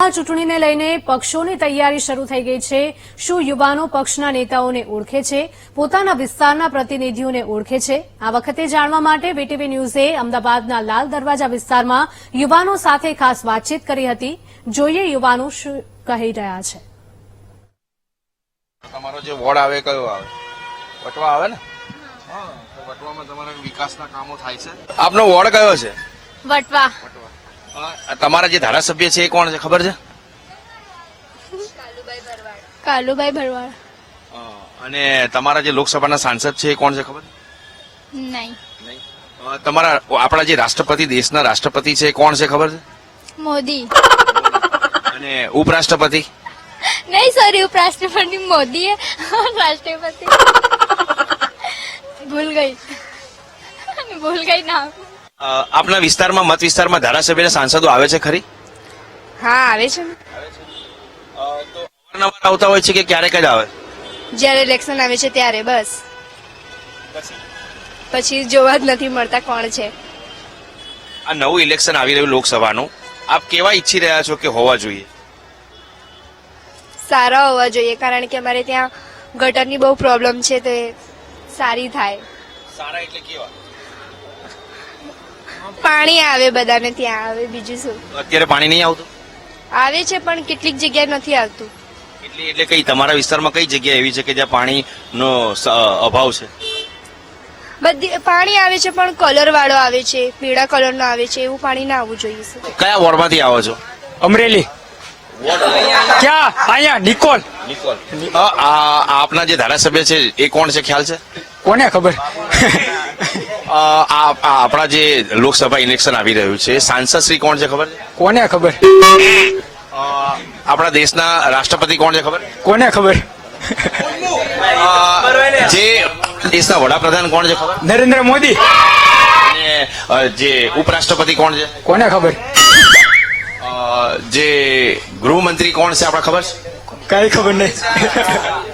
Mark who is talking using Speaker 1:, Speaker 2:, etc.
Speaker 1: લોકસભા ચૂંટણીને લઈને પક્ષોની તૈયારી શરૂ થઈ ગઈ છે। શું યુવાનો પક્ષના નેતાઓને ઓળખે છે, પોતાના વિસ્તારના પ્રતિનિધિઓને ઓળખે છે? આ વખતે જાણવા માટે વીટીવી ન્યૂઝે અમદાવાદના લાલ દરવાજા વિસ્તારમાં યુવાનો સાથે ખાસ વાતચીત કરી હતી। જોઈએ યુવાનો શું કહી રહ્યા છે।
Speaker 2: તમારો જે વોર્ડ આવે કયો આવે? વટવા આવે ને? હા, તો વટવામાં તમારા વિકાસના કામો થાય છે। આપનો વોર્ડ કયો છે?
Speaker 3: વટવા।
Speaker 2: તમારા જે ધારાસભ્ય છે એ કોણ છે, ખબર છે?
Speaker 3: કાલુભાઈ ભરવાડ।
Speaker 2: અને તમારા જે લોકસભાના સાંસદ છે એ કોણ છે, ખબર?
Speaker 3: નહીં।
Speaker 2: તમારા આપણા જે રાષ્ટ્રપતિ, દેશના રાષ્ટ્રપતિ છે એ કોણ છે, ખબર છે?
Speaker 3: મોદી।
Speaker 2: અને ઉપરાષ્ટ્રપતિ?
Speaker 3: નહીં, સોરી, ઉપરાષ્ટ્રપતિ મોદી રાષ્ટ્રપતિ ભૂલ ગઈ નામ।
Speaker 2: આપના વિસ્તારમાં, મત વિસ્તારમાં ધારાસભ્યના સાંસદો આવે છે ખરી?
Speaker 4: હા, આવે છે ને।
Speaker 2: તો અવારનવાર આવતા હોય છે કે ક્યારેક જ આવે?
Speaker 4: જ્યારે ઇલેક્શન આવે છે ત્યારે બસ, પછી જોવા જ નથી મળતા કોણ છે।
Speaker 2: આ નવું ઇલેક્શન આવી રહ્યું લોકસભાનું, આપ કેવા ઈચ્છી રહ્યા છો કે હોવા જોઈએ?
Speaker 4: સારા હોવા જોઈએ, કારણ કે અમારે ત્યાં ગટરની બહુ પ્રોબ્લેમ છે, તો એ સારી થાય।
Speaker 2: સારા એટલે કેવા?
Speaker 4: પાણી આવે બધાને ત્યાં આવે, બીજું શું?
Speaker 2: અત્યારે પાણી નહીં આવતું?
Speaker 4: આવે છે પણ કેટલીક જગ્યાએ નથી આવતું।
Speaker 2: એટલે કઈ તમારા વિસ્તારમાં કઈ જગ્યા એવી છે કે જ્યાં પાણીનો અભાવ છે?
Speaker 4: બધી પાણી આવે છે પણ કલર વાળો આવે છે, પીળા કલરનો આવે છે, એવું પાણી ના આવવું જોઈએ। શું?
Speaker 2: કયા વોર્ડમાંથી આવો છો?
Speaker 5: અમરેલી। ક્યાં? અહીંયા નિકોલ।
Speaker 2: આપના જે ધારાસભ્ય છે એ કોણ છે, ખ્યાલ છે?
Speaker 5: કોને ખબર?
Speaker 2: આપણા જે લોકસભા ઇલેક્શન આવી રહ્યું છે, સાંસદ શ્રી કોણ છે, ખબર છે?
Speaker 5: કોને ખબર?
Speaker 2: આપણા દેશના રાષ્ટ્રપતિ કોણ છે, ખબર?
Speaker 5: કોને ખબર?
Speaker 2: જે દેશના વડાપ્રધાન કોણ છે, ખબર?
Speaker 5: નરેન્દ્ર મોદી।
Speaker 2: અને જે ઉપરાષ્ટ્રપતિ કોણ છે?
Speaker 5: કોને ખબર?
Speaker 2: જે ગૃહમંત્રી કોણ છે, આપણા ખબર છે?
Speaker 5: કઈ ખબર નહીં।